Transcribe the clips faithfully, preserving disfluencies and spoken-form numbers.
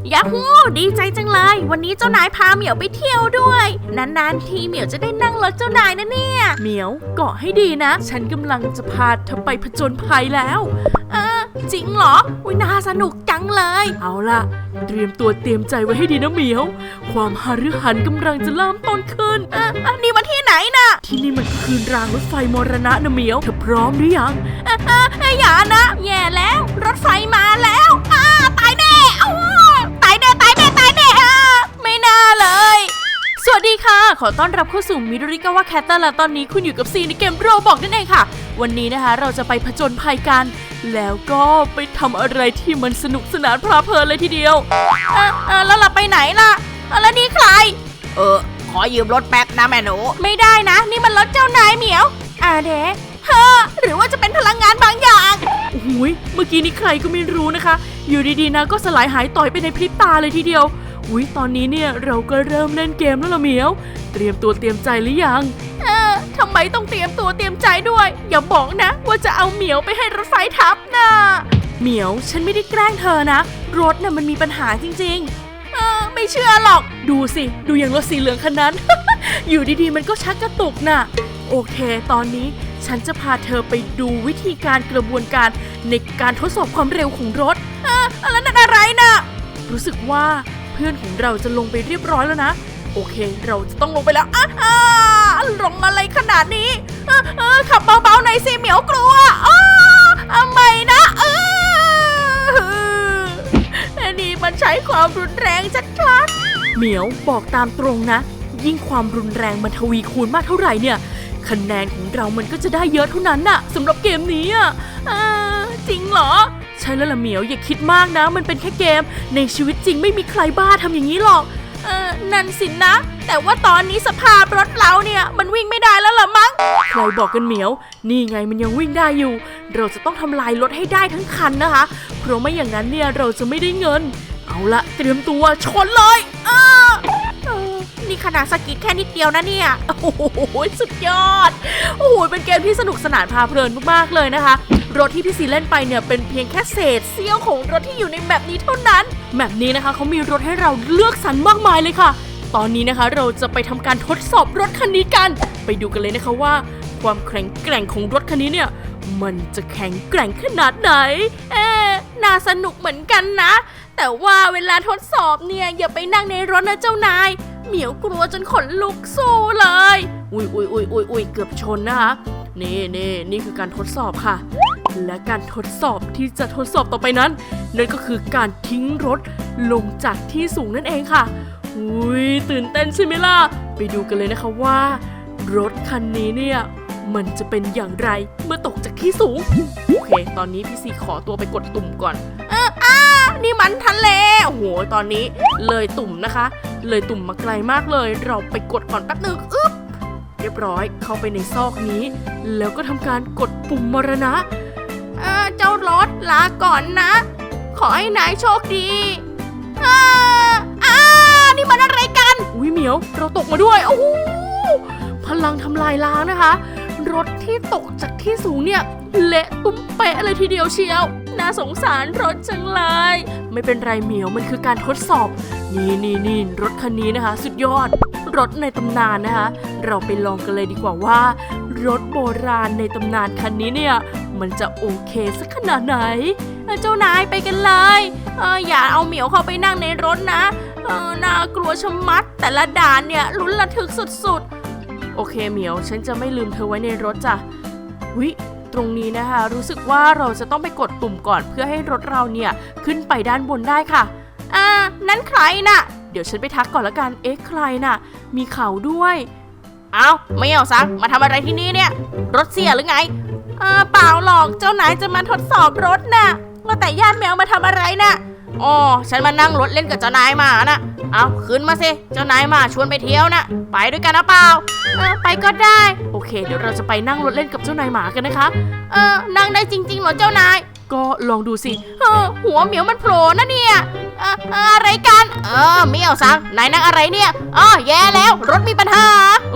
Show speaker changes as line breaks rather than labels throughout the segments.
ยาฮูดีใจจังเลยวันนี้เจ้านายพาเหมียวไปเที่ยวด้วยนานๆทีเหมียวจะได้นั่งรถเจ้านายนะเนี่ย
เหมียวเกาะให้ดีนะฉันกำลังจะพาเธอไปผจญภัยแล้ว
เออจริงเหรออุ๊ยน่าสนุกจังเลย
เอาล่ะเตรียมตัวเตรียมใจไว้ให้ดีนะเหมียวความหฤหันกำลังจะเริ่มต้นขึ้น
เอออันนี้มาที่ไหนน่ะ
ที่นี่มันคือรางรถไฟมรณะนะเหมียวเธอพร้อมหรือยัง
เออเอออย่านะแย่แล้วรถไฟมาแล้วอ้าตายแน่ตายแน่ตายแน่ตายแน่ไม่น่าเลย
สวัสดีค่ะขอต้อนรับเข้าสู่มิดริกาวะแคทเตอร์และตอนนี้คุณอยู่กับซีในเกมโรบอกนั่นเองค่ะวันนี้นะคะเราจะไปผจญภัยกันแล้วก็ไปทำอะไรที่มันสนุกสนานเพลิดเพลินเลยทีเดียว
เออเออแล้วเราไปไหนล่ะแล้วนี่ใครเออขอยืมรถแป๊บนะแม่หนูไม่ได้นะนี่มันรถเจ้านายเหมียวอ่าเด็กเฮ้อหรือว่าจะเป็นพลังงานบางอย่าง
โอ้ยเมื่อกี้นี้ใครก็ไม่รู้นะคะอยู่ดีๆนะก็สลายหายต่อยไปในพริบตาเลยทีเดียวอุ้ยตอนนี้เนี่ยเราก็เริ่มเล่นเกมแล้วล่ะเหมียวเตรียมตัวเตรียมใจหรือยัง
เออทำไมต้องเตรียมตัวเตรียมใจด้วยอย่าบอกนะว่าจะเอาเหมียวไปให้รถไฟทับนะ
เหมียวฉันไม่ได้แกล้งเธอนะรถน่ะมันมีปัญหาจริง
ๆเออไม่เชื่อหรอก
ดูสิดูอย่างรถสีเหลืองคันนั้น อยู่ดีๆมันก็ชักกระตุกน่ะโอเคตอนนี้ฉันจะพาเธอไปดูวิธีการกระบวนการในการทดสอบความเร็วของรถ
เออแล้วนั่นอะไรนะ
รู้สึกว่าเพื่อนของเราจะลงไปเรียบร้อยแล้วนะโอเคเราจะต้องลงไปแล้วอ้า
อ้าลงอะไรขนาดนี้เออเออขับเบาๆหน่อยสิเหมียวกลัวอ้าทำไมนะเอออันนี้มันใช้ความรุนแรงชัด
ๆเหมียวบอกตามตรงนะยิ่งความรุนแรงมันทวีคูณมากเท่าไหร่เนี่ยคะแนนของเรามันก็จะได้เยอะเท่านั้นน่ะสำหรับเกมนี้อ่ะ
จริงเหรอ
ใช่แล้วล่ะเหมียวอย่าคิดมากนะมันเป็นแค่เกมในชีวิตจริงไม่มีใครบ้าทำอย่างนี้หรอก
เออนั่นสินะแต่ว่าตอนนี้สภาพรถเราเนี่ยมันวิ่งไม่ได้แล้วล่ะมั้ง
ใครบอกกันเหมียวนี่ไงมันยังวิ่งได้อยู่เราจะต้องทำลายรถให้ได้ทั้งคันนะคะเพราะไม่อย่างนั้นเนี่ยเราจะไม่ได้เงินเอาละเตรียมตัวชนเลย
เออนี่ขนาดสกิดแค่นิดเดียวนะเนี่ยโอ้โหสุดยอดโอ้โหเป็นเกมที่สนุกสนานพาเพลินมากๆเลยนะคะรถที่พี่ซีเล่นไปเนี่ยเป็นเพียงแค่เศษเสี้ยวของรถที่อยู่ในแมปนี้เท่านั้น
แมปนี้นะคะเขามีรถให้เราเลือกสรรมากมายเลยค่ะตอนนี้นะคะเราจะไปทำการทดสอบรถคันนี้กันไปดูกันเลยนะคะว่าความแข็งแกร่งของรถคันนี้เนี่ยมันจะแข็งแกร่งขนาดไหน
เอ๊ะน่าสนุกเหมือนกันนะแต่ว่าเวลาทดสอบเนี่ยอย่าไปนั่งในรถนะเจ้านายเหมียวกลัวจนขนลุกสู้เลย
อุ้ยอุ้ยอุ้ยอุ้ยอุ้ยเกือบชนนะคะนี่นี่นี่คือการทดสอบค่ะและการทดสอบที่จะทดสอบต่อไปนั้นนั่นก็คือการทิ้งรถลงจากที่สูงนั่นเองค่ะอุ้ยตื่นเต้นใช่ไหมล่ะไปดูกันเลยนะคะว่ารถคันนี้เนี่ยมันจะเป็นอย่างไรเมื่อตกจากที่สูงโอเคตอนนี้พี่ซีขอตัวไปกดตุ่มก่อน
เอออ้านี่มันทะเล
โอ้โหตอนนี้เลยตุ่มนะคะเลยตุ่มมาไกลมากเลยเราไปกดก่อนแป๊บนึงอึ๊บเรียบร้อยเข้าไปในซอกนี้แล้วก็ทำการกดปุ่มมรณะ
เออเจ้ารถลาก่อนนะขอให้นายโชคดีอ่าอ่านี่มันอะไรกัน
อุ้ยเหมียวเราตกมาด้วยโอ้โหพลังทำลายล้างนะคะรถที่ตกจากที่สูงเนี่ยเละตุ้มเป๊ะเลยทีเดียวเชียวน่าสงสารรถจังเลยไม่เป็นไรเหมียวมันคือการทดสอบนี่นี่นี่รถคันนี้นะคะสุดยอดรถในตำนานนะคะเราไปลองกันเลยดีกว่าว่ารถโบราณในตำนานคันนี้เนี่ยมันจะโอเคสักขนาดไหน
เจ้านายไปกันเลยเอออย่าเอาเหมียวเข้าไปนั่งในรถนะเออน่ากลัวชะมัดแต่ละด่านเนี่ยลุ้นระทึกสุด
ๆโอเคเหมียวฉันจะไม่ลืมเธอไว้ในรถจ้ะวิตรงนี้นะคะรู้สึกว่าเราจะต้องไปกดตุ่มก่อนเพื่อให้รถเราเนี่ยขึ้นไปด้านบนได้ค่ะ
อ่านั้นใครน่ะ
เดี๋ยวฉันไปทักก่อนละกันเอ๊ะใครน่ะมีเขาด้วย
เอาไม่เอาซักมาทำอะไรที่นี่เนี่ยรถเสียหรือไงเออเปล่าหรอกเจ้านายจะมาทดสอบรถน่ะว่าแต่ญาติแมวมาทำอะไรน่ะอ๋อฉันมานั่งรถเล่นกับเจ้านายมาน่ะเอาขึ้นมาสิเจ้านายมาชวนไปเที่ยวน่ะไปด้วยกันนะเปล่าเออไปก็ได้
โอเคเดี๋ยวเราจะไปนั่งรถเล่นกับเจ้านายหมากันนะคะ
เออนั่งได้จริงๆเหรอเจ้านาย
ก็ลองดูสิ
เออหัวเหมียวมันโผล่นะเนี่ยเอออะไรกันเออเมียวซังนายนั่งอะไรเนี่ยอ๋อแย่แล้วรถมีปัญหา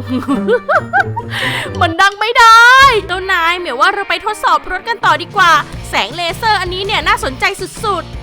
มันดังไม่ได้เจ้านายเหมียวว่าเราไปทดสอบรถกันต่อดีกว่าแสงเลเซอร์อันนี้เนี่ยน่าสนใจสุดๆ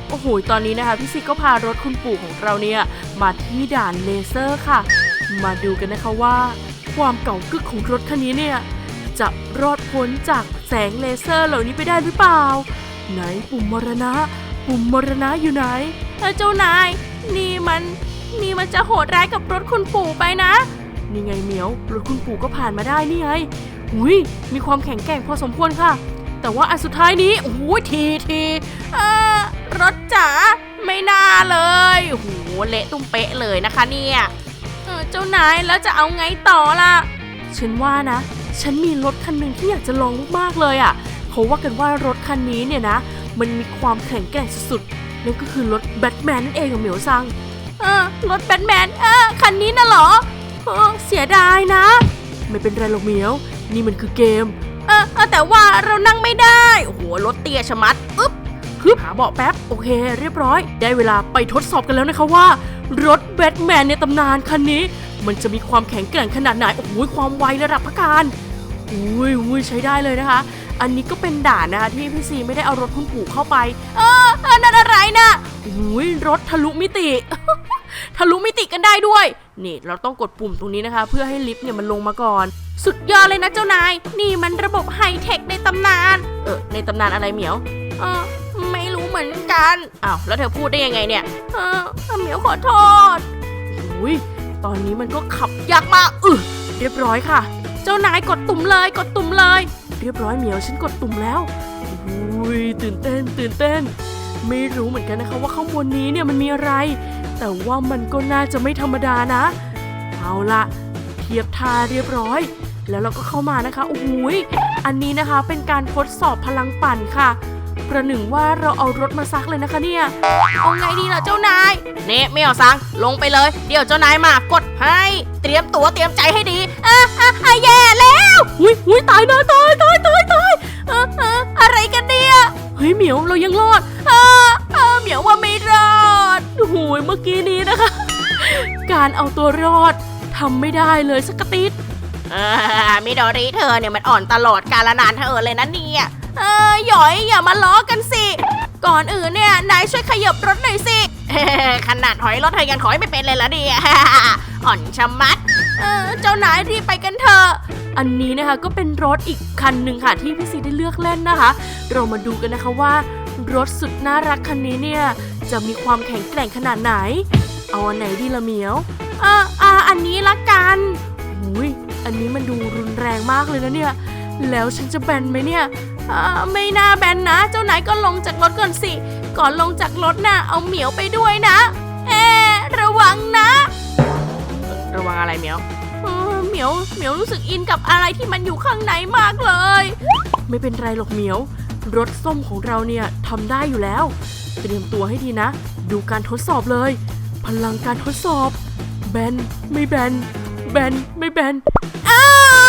โอ้โหตอนนี้นะคะพี่ซีก็พารถคุณปู่ของเราเนี่ยมาที่ด่านเลเซอร์ค่ะมาดูกันนะคะว่าความเก่ากึกของรถคันนี้เนี่ยจะรอดพ้นจากแสงเลเซอร์เหล่านี้ไปได้หรือเปล่าไหนปุ่มมรณะปุ่มมรณะอยู่ไหนเจ้านายนี่มันนี่มันจะโหดร้ายกับรถคุณปู่ไปนะนี่ไงเหมียวรถคุณปู่ก็ผ่านมาได้นี่ไงหุยมีความแข็งแกร่งพอสมควรค่ะแต่ว่าอันสุดท้ายนี้โอ้โหทีทีเออรถจ๋าไม่น่าเลยโอ้โหเละตุ้มเป๊ะเลยนะคะเนี่ยเออเจ้านายแล้วจะเอาไงต่อล่ะฉันว่านะฉันมีรถคันหนึ่งที่อยากจะลองมากๆเลยอ่ะเขาว่ากันว่ารถคันนี้เนี่ยนะมันมีความแข็งแกร่งสุดๆนั่นก็คือรถแบทแมนนั่นเองกับเหมียวซังเออรถแบทแมนเออคันนี้น่ะเหรอเออเสียดายนะไม่เป็นไรหรอกเหมียวนี่มันคือเกมเออแต่ว่าเรานั่งไม่ได้โอ้โหรถเตี้ยชะมัดอึ๊บฮึบหาเบาะแป๊บโอเคเรียบร้อยได้เวลาไปทดสอบกันแล้วนะคะว่ารถแบทแมนในตำนานคันนี้มันจะมีความแข็งแกร่งขนาดไหนโอ้โหความไวระดับพักการอุ้ยอุ้ยใช้ได้เลยนะคะอันนี้ก็เป็นด่านนะคะที่พี่ซีไม่ได้เอารถคุณปู่เข้าไปเออเออนั่นอะไรนะอุ้ยรถทะลุมิติ ทะลุมิติกันได้ด้วยนี่เราต้องกดปุ่มตรงนี้นะคะเพื่อให้ลิฟต์เนี่ยมันลงมาก่อนสุดยอดเลยนะเจ้านายนี่มันระบบไฮเทคในตำนานเออในตำนานอะไรเหมียวเออไม่รู้เหมือนกันอ้าวแล้วเธอพูดได้ยังไงเนี่ยเออเหมียวขอโทษอุ้ยตอนนี้มันก็ขับยากมากอือเรียบร้อยค่ะเจ้านายกดตุ่มเลยกดตุ่มเลยเรียบร้อยเหมียวฉันกดตุ่มแล้วอุ้ยตื่นเต้นตื่นเต้นไม่รู้เหมือนกันนะคะว่าข้างบนนี้เนี่ยมันมีอะไรแต่ว่ามันก็น่าจะไม่ธรรมดานะเอาละเทียบท่าเรียบร้อยแล้วเราก็เข้ามานะคะโอ้โหอันนี้นะคะเป็นการทดสอบพลังปั่นค่ะประหนึ่งว่าเราเอารถมาซักเลยนะคะเนี่ยเอาไงดีล่ะเจ้านายเน่ไม่เอาซังลงไปเลยเดี๋ยวเจ้านายมากดให้เตรียมตัวเตรียมใจให้ดีอ่ะอ่ะอ่ะแย่แล้วอุ้ยอุ้ยตายนะตายตายตายตายเออเอออะไรกันเนี่ยเฮ้ยเหมียวเรายังรอดเออเออเหมียวว่าไม่รอดโอ้โหเมื่อกี้นี้นะคะ การเอาตัวรอดทำไม่ได้เลยสักติด
เออมิโดริเธอเนี่ยมันอ่อนตลอดกาลนานเธอเลยนะเนี่ยเออหยอยอย่ามาล้อกันสิก่อนอื่นเนี่ยนายช่วยขยับรถหน่อยสิขนาดถอยรถเธอยังถอยไม่เป็นเลยละเนี่ยอ่อนชะมัดเออเจ้านายรีบไปกันเถอะอันนี้นะคะก็เป็นรถอีกคันหนึ่งค่ะที่พี่ซีได้เลือกเล่นนะคะเรามาดูกันนะคะว่ารถสุดน่ารักคันนี้เนี่ยจะมีความแข็งแกร่งขนาดไหนเอาอันไหนดีละเหมียวอ่าอ่าอันนี้ละกันอุ้ยอันนี้มันดูรุนแรงมากเลยนะเนี่ยแล้วฉันจะแบนไหมเนี่ยอ่าไม่น่าแบนนะเจ้านายก็ลงจากรถก่อนสิก่อนลงจากรถน่ะเอาเหมียวไปด้วยนะเอ๊ระวังนะระวังอะไรเหมียวเออเหมียวเหมียวรู้สึกอินกับอะไรที่มันอยู่ข้างในมากเลยไม่เป็นไรหรอกเหมียวรถส้มของเราเนี่ยทำได้อยู่แล้วเตรียมตัวให้ดีนะดูการทดสอบเลยพลังการทดสอบแบนไม่แบนแบนไม่แบนอ้า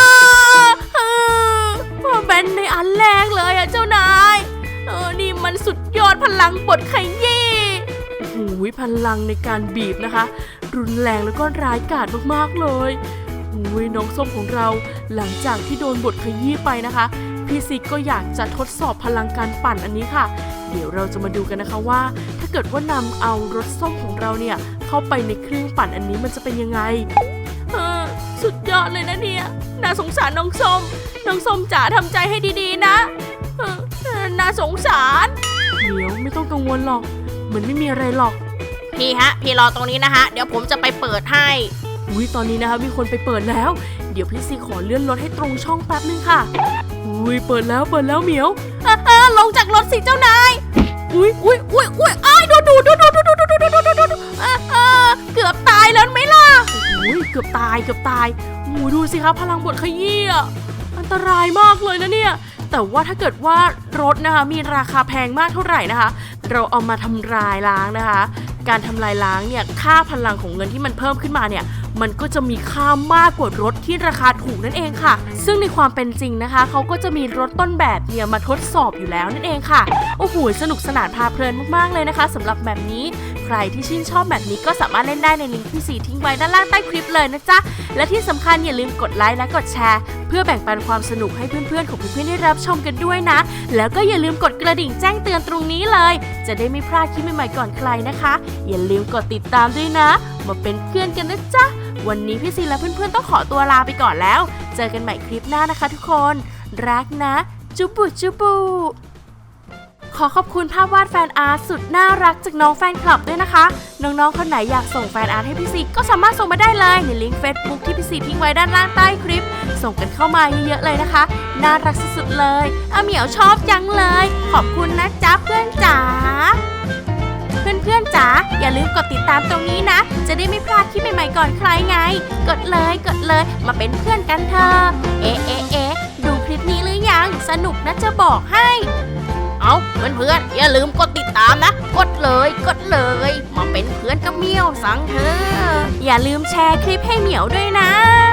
แบนในอันแรกเลยอะเจ้านายเออนี่มันสุดยอดพลังบดขยี้โอ้โหพลังในการบีบนะคะรุนแรงแล้วก็ร้ายกาจมากๆเลยโอ้ยน้องส้มของเราหลังจากที่โดนบดขยี้ไปนะคะพี่ซิกก็อยากจะทดสอบพลังการปั่นอันนี้ค่ะเดี๋ยวเราจะมาดูกันนะคะว่าถ้าเกิดว่านำเอารถส้มของเราเนี่ยเข้าไปในเครื่องปั่นอันนี้มันจะเป็นยังไงเออสุดยอดเลยนะเนี่ยน่าสงสารน้องส้มน้องส้มจ๋าทำใจให้ดีๆนะเออน่าสงสารเดี๋ยวไม่ต้องกังวลหรอกมันไม่มีอะไรหรอกพี่ฮะพี่รอตรงนี้นะฮะเดี๋ยวผมจะไปเปิดให้อุ้ยตอนนี้นะคะมีคนไปเปิดแล้วเดี๋ยวพี่ซีขอเลื่อนรถให้ตรงช่องแป๊บนึงค่ะอุ้ยเปิดแล้วเปิดแล้วเหมียวอ่าลงจากรถสิเจ้านายอุ้ยอุ้ยอุ้ยอุ้ยอ้ายดูดูดูดูดูดูดูดูดูดูดูอ่าเกือบตายแล้วไหมล่ะอุ้ยเกือบตายเกือบตายโอ้ดูสิคะพลังบดขยี้อ่ะอันตรายมากเลยนะเนี่ยแต่ว่าถ้าเกิดว่ารถนะคะมีราคาแพงมากเท่าไหร่นะคะเราเอามาทำลายล้างนะคะการทำลายล้างเนี่ยค่าพลังของเงินที่มันเพิ่มขึ้นมาเนี่ยมันก็จะมีค่ามากกว่ารถที่ราคาถูกนั่นเองค่ะซึ่งในความเป็นจริงนะคะเขาก็จะมีรถต้นแบบเนี่ยมาทดสอบอยู่แล้วนั่นเองค่ะโอ้โหสนุกสนานพาเพลินมากๆเลยนะคะสำหรับแบบนี้ใค
รที่ชื่นชอบแบบนี้ก็สามารถเล่นได้ในลิงก์ที่ซีทิ้งไว้ด้านล่างใต้คลิปเลยนะจ๊ะและที่สำคัญอย่าลืมกดไลค์และกดแชร์เพื่อแบ่งปันความสนุกให้เพื่อนๆของเพื่อนๆได้รับชมกันด้วยนะแล้วก็อย่าลืมกดกระดิ่งแจ้งเตือนตรงนี้เลยจะได้ไม่พลาดคลิปใหม่ๆก่อนใครนะคะอย่าลืมกดติดตามด้วยนะมาเป็นเพื่อนกันนะจ๊ะวันนี้พี่ซีและเพื่อนๆต้องขอตัวลาไปก่อนแล้วเจอกันใหม่คลิปหน้านะคะทุกคนรักนะจุบุจุบุขอขอบคุณภาพวาดแฟนอาร์ตสุดน่ารักจากน้องแฟนคลับด้วยนะคะน้องๆคนไหนอยากส่งแฟนอาร์ตให้พี่ซีก็สามารถส่งมาได้เลยในลิงก์ Facebook ที่พี่ซีทิ้งไว้ด้านล่างใต้คลิปส่งกันเข้ามาเยอะๆเลยนะคะน่ารักสุดๆเลยอาเหมียวชอบจังเลยขอบคุณนะจ๊ะเพื่อนจ๋าเพื่อนๆจ๋าอย่าลืมกดติดตามตรงนี้นะจะได้ไม่พลาดคลิปใหม่ๆก่อนใครไงกดเลยกดเลยมาเป็นเพื่อนกันเถอะเอ๊ะเอ๊ะเอ๊ะดูคลิปนี้หรือยังสนุกนะจะบอกให้เอาเพื่อนๆอย่าลืมกดติดตามนะกดเลยกดเลยมาเป็นเพื่อนกับเหมียวสังเธออย่าลืมแชร์คลิปให้เหมียวด้วยนะ